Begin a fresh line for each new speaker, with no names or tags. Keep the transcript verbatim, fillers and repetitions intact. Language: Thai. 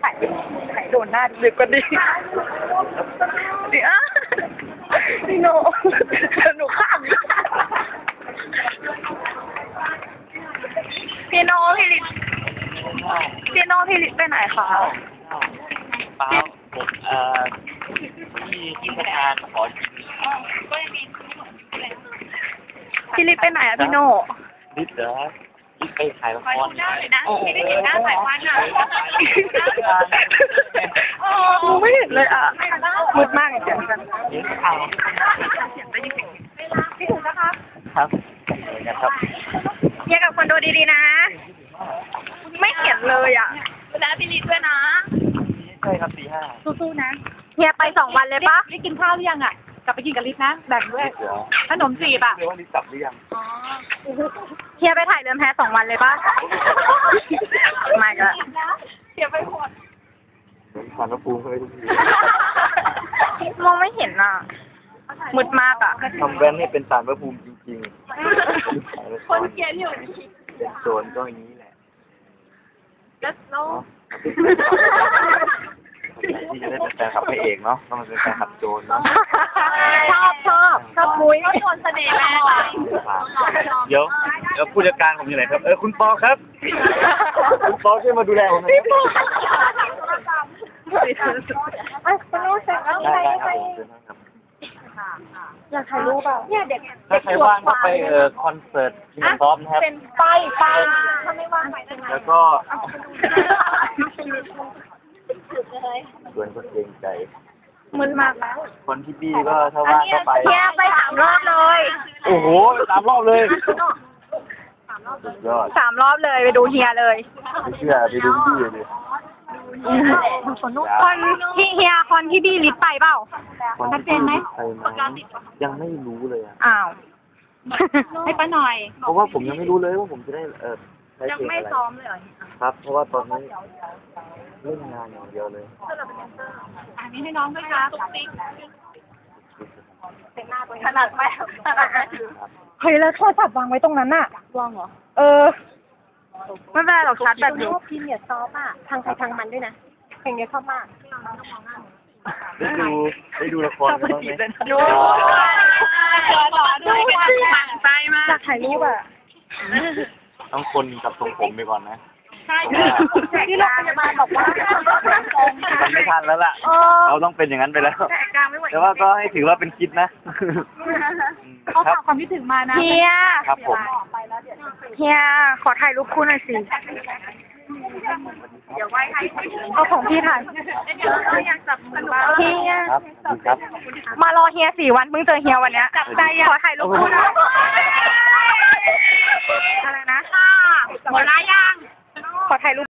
ถ่ายถ่ายโดนหน้าดึกกว่าดีเดี๋ยวพี่โนหนูข้ามพี่โนพี่ลิศพี่โนพี่ลิศไปไหนคะ
เปล่าผมเอ่อที่ที่ทำงานขอกิน
พี่ลิศไปไหนอะพี่โน
นิดเหรอนิดไปถ่ายละคร
โอ้โหไม่เห็นหน้าสายพันธุ์อ่ะโอ้ไม่เห็นเลยอ่ะมืดมากเลยเสียงกัน
เห็นข่าว
พี่ถูกนะคะ
ครับเหมือนกันครับ
เฮียกับคนดูดีๆนะไม่เห็นเลยอ่ะแล้วพี่ลิศด้วยนะ
ใช่ครับสี่ห้า
สู้ๆนะเฮียไปสองวันเลยปะ
ลิศกินข้าวหรือยังอ่ะกลับไปกินกับลิศนะแบ่งด้วยขนมจีบอ่ะ
เรียกว่าลิศกลับหรือยัง
เฮียไปถ่ายเรือนแพสองวันเลยปะไม่ก็เฮียไปหมด
เหมือนฝันว่าปูเคยทุกที
มองไม่เห็นอ่ะมืดมากอ่ะ
ทำแว่นให้เป็นสารพระภูมิจริงๆ
คนเขียนอยู่
เป็นโจรก็อย่างนี้แหละ
แล้ว
ที่จะได้เป็นแฟนคลับพระเอกเนาะต้องมาเป็นแฟนคลับโจรเนาะ
ชอบชอบชอบมุ้ยเขาโดนเสน่ห์แม่
เดี๋ยวเดี๋ยวผู้จัดการผมอยู่ไหนครับเออคุณปอครับคุณปอช่วยมาดูแลผมหน่อย
อ่ะคุณรู้สึกว่าใครใครอยากถ่ายรูปอ่ะเนี่ยเด็ก
ถ้าใครว่างก็ไปเออคอนเสิร์ตที่มันพร้อมนะครับ
เป็นไปไปถ้าไม่ว่างไป
แล้วก็ส่วนก็เกรงใจ
มึนมากแล้ว
คนที่บี้ก็ถ้าว่างก็ไป
เฮียไปสามรอบเลย
โอ้โหสามรอบเลยยอด
สามรอบเลยไปดูเฮียเลย
ไม่เชื่อไปดูบี้เลย
คนที่เฮียคนที่บี้ลิศไปเปล่า
ชัดเจนไหมยังไม่รู้เลยอ่ะ
อ้าว
ให้ป้าหน่อย
เพราะว่าผมยังไม่รู้เลยว่าผมจะได้เออ
ยังไม่ซ้อมเลย
ครับเพราะว่าตอนนี้เล่นงานอย่างเดียวเลย
อันนี้ให้น้องด้วยค่ะตุ๊กติ๊ก
ขนาดไหมเฮ้ยแล้วโทรศัพท์วางไว้ตรงนั้นน่ะ
วางเหรอ
เออไม่เป็นไรหรอกชัดแบบนี้
พิมพ์เนี่ยซอฟอ่ะทางใครทางมันด้วยนะเพลงนี้ชอบมาก
ได้ดูได้ดูละครบ้างไหม
ดูดูมั่นใจมากถ่ายรูปอ่ะ
ต้องคนกับทรงผมไปก่อนนะ
ใช่ที่โรงพยาบาลบอกว่า
มันไม่ทันแล้วล่ะเราต้องเป็นอย่างนั้นไปแล้วแต่ว่าก็ให้ถือว่าเป็นคิดนะ
เขาฝากความคิดถึงมานะ
เฮีย
ครับผม
เฮียขอถ่ายรูปคู่หน่อยสิเดี๋ยวไว้ให้เอาของพี่ถ่ายอยากจับมือเฮีย
ครับครับ
มารอเฮียสี่วันเพิ่งเจอเฮียวันเนี้ยจับใจขอถ่ายรูปคู่นะอะไรนะหมดแล้วยังขอถ่ายรูป